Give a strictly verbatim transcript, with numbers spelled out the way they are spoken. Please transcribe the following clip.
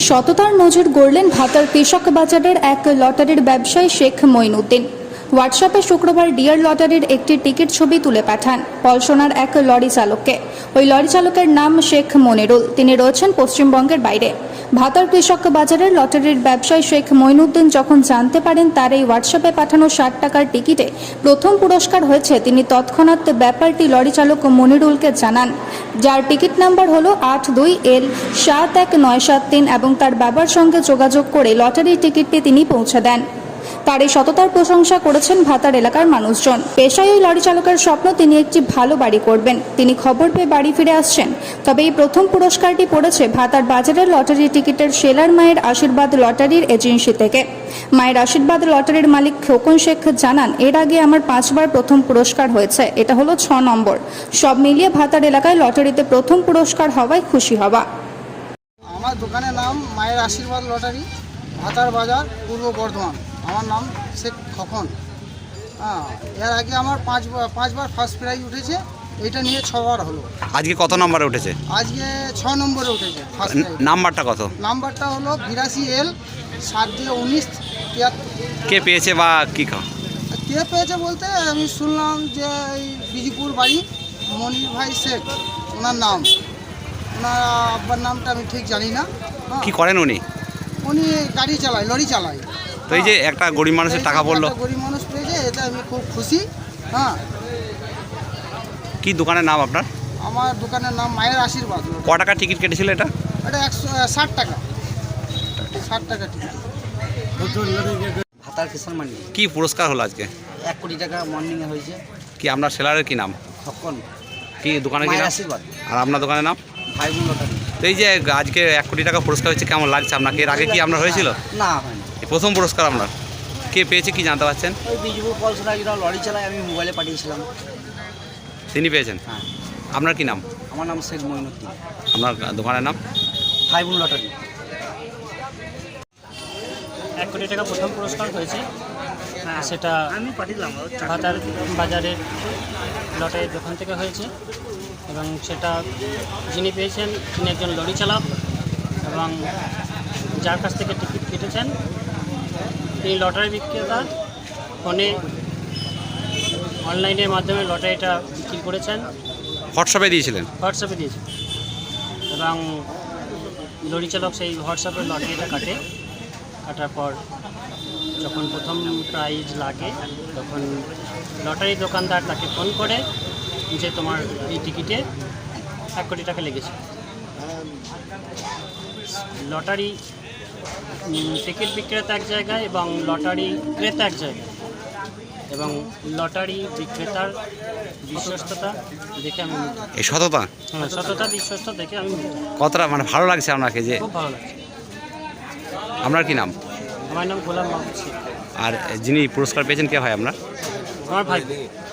সততার নজর গড়লেন ভাতার কৃষক বাজারের এক লটারির ব্যবসায়ী শেখ মঈনুদ্দিন। হোয়াটসঅ্যাপে শুক্রবার ডিয়ার লটারির একটি টিকিট ছবি তুলে পাঠান পলসোনার এক লরি চালককে। ওই লরি চালকের নাম শেখ মনিরুল। তিনি রয়েছেন পশ্চিমবঙ্গের বাইরে। ভাতার কৃষক বাজারের লটারির ব্যবসায়ী শেখ মঈনুদ্দিন যখন জানতে পারেন তার এই হোয়াটসঅ্যাপে পাঠানো ষাট টাকার টিকিটে প্রথম পুরস্কার হয়েছে, তিনি তৎক্ষণাৎ ব্যাপারটি লরি চালক মনিরুলকে জানান, যার টিকিট নাম্বার হলো আট দুই এল সাত এক নয় সাত তিন এবং তার বাবার সঙ্গে যোগাযোগ করে লটারির টিকিটটি তিনি পৌঁছে দেন। তার এই সততার প্রশংসা করেছেন ভাতার এলাকার মানুষজন। পেশায় ওই লরি চালকের স্বপ্ন তিনি একটি ভালো বাড়ি করবেন। তিনি খবর পেয়ে বাড়ি ফিরে আসছেন। তবে এই প্রথম পুরস্কারটি পড়েছে ভাতার বাজারের লটারি টিকিটের সেলার মায়ের আশীর্বাদ লটারির এজেন্সি থেকে। মায়ের আশীর্বাদ লটারির মালিক খোকন শেখ জানান, এর আগে আমার পাঁচবার প্রথম পুরস্কার হয়েছে, এটা হলো ছ নম্বর। সব মিলিয়ে ভাতার এলাকায় লটারিতে প্রথম পুরস্কার হওয়ায় খুশি হওয়া। আমার দোকানের নাম মায়ের আশীর্বাদ লটারি, ভাতার বাজার, পূর্ব বর্ধমান। আমার নাম শেখ খোকন। হ্যাঁ, এর আগে আমার পাঁচবার পাঁচবার ফার্স্ট প্রাইজ উঠেছে, এটা নিয়ে ছবার হলো। আজকে কত নম্বরে উঠেছে? আজকে ছ নম্বরে উঠেছে ফার্স্ট প্রাইজ। নাম্বারটা কত? নাম্বারটা হলো বিরাশি এল সাত দিয়ে উনিশ তিয়াত্তর। কে পেয়েছে বা কী খা কে পেয়েছে বলতে আমি শুনলাম যে এই বিজিপুর বাড়ি মনির ভাই শেখ, ওনার নাম। ওনার আব্বার নামটা আমি ঠিক জানি না। কি করেন উনি? উনি গাড়ি চালায়, লরি চালায়। তো এই যে একটা গরিব মানুষের টাকা পড়লো, গরিব মানুষ পেয়েছে, এটা আমি খুব খুশি। হ্যাঁ। কি দোকানের নাম আপনার? আমার দোকানের নাম মায়ের আশীর্বাদ। ক টাকা টিকিট কেটেছিল এটা? এটা একশো ষাট টাকা ষাট টাকা টিকিট। ভাতার কিষাণ মান্ডি। কি পুরস্কার হলো আজকে? এক কোটি টাকা মর্নিংয়ে হয়েছে। কি আপনার সেলারের কি নাম? তখন কি দোকানের কি মায়ের নাম? আশীর্বাদ। আর আপনার দোকানের নাম? ভাই বোন লটারি। তো এই যে আজকে এক কোটি টাকা পুরস্কার হচ্ছে, কেমন লাগছে আপনাকে? এর আগে কি আপনার হয়েছিল? না, হয়নি। এই প্রথম পুরস্কার আপনার। কে পেয়েছে কি জানতে পারছেন? ওই বিজুপুর পলসরা যেটা লরি চালায়, আমি মোবাইলে পাঠিয়েছিলাম। তিনি পেয়েছেন? হ্যাঁ। আপনার কি নাম? আমার নাম শেখ মঈনুদ্দিন। আপনার দোকানের নাম? ভাই বোন লটারি। এক কোটি টাকা প্রথম পুরস্কার হয়েছে, সেটা আমি পাঠিয়েছিলাম ভাতার বাজারের লটারির দোকান থেকে হয়েছে এবং সেটা যিনি পেয়েছেন তিনি একজন লরি চালক এবং যার কাছ থেকে টিকিট কেটেছেন তিনি লটারি বিক্রেতা। ফোনে অনলাইনের মাধ্যমে লটারিটা বিক্রি করেছেন। হোয়াটসঅ্যাপে দিয়েছিলেন? হোয়াটসঅ্যাপে দিয়েছেন এবং লরি চালক সেই হোয়াটসঅ্যাপে লটারিটা কাটে। কাটার পর যখন প্রথম প্রাইজ লাগে তখন লটারি দোকানদার তাকে ফোন করে যে তোমার এই টিকিটে এক কোটি টাকা লেগেছে। লটারি টিকিট বিক্রেতা এক জায়গায় এবং লটারি ক্রেতা এক জায়গায়, এবং লটারি বিক্রেতার বিশ্বস্ততা দেখে আমি এই সততা, হ্যাঁ সততা বিশ্বস্ততা দেখে আমি কতটা মানে ভালো লাগছে আপনাকে? যে খুব ভালো লাগছে। আপনার কি নাম? আমার নাম গোলাম মাহমুদ শেখ। আর যিনি পুরস্কার পেয়েছেন কে ভাই আপনার? আমার ভাই।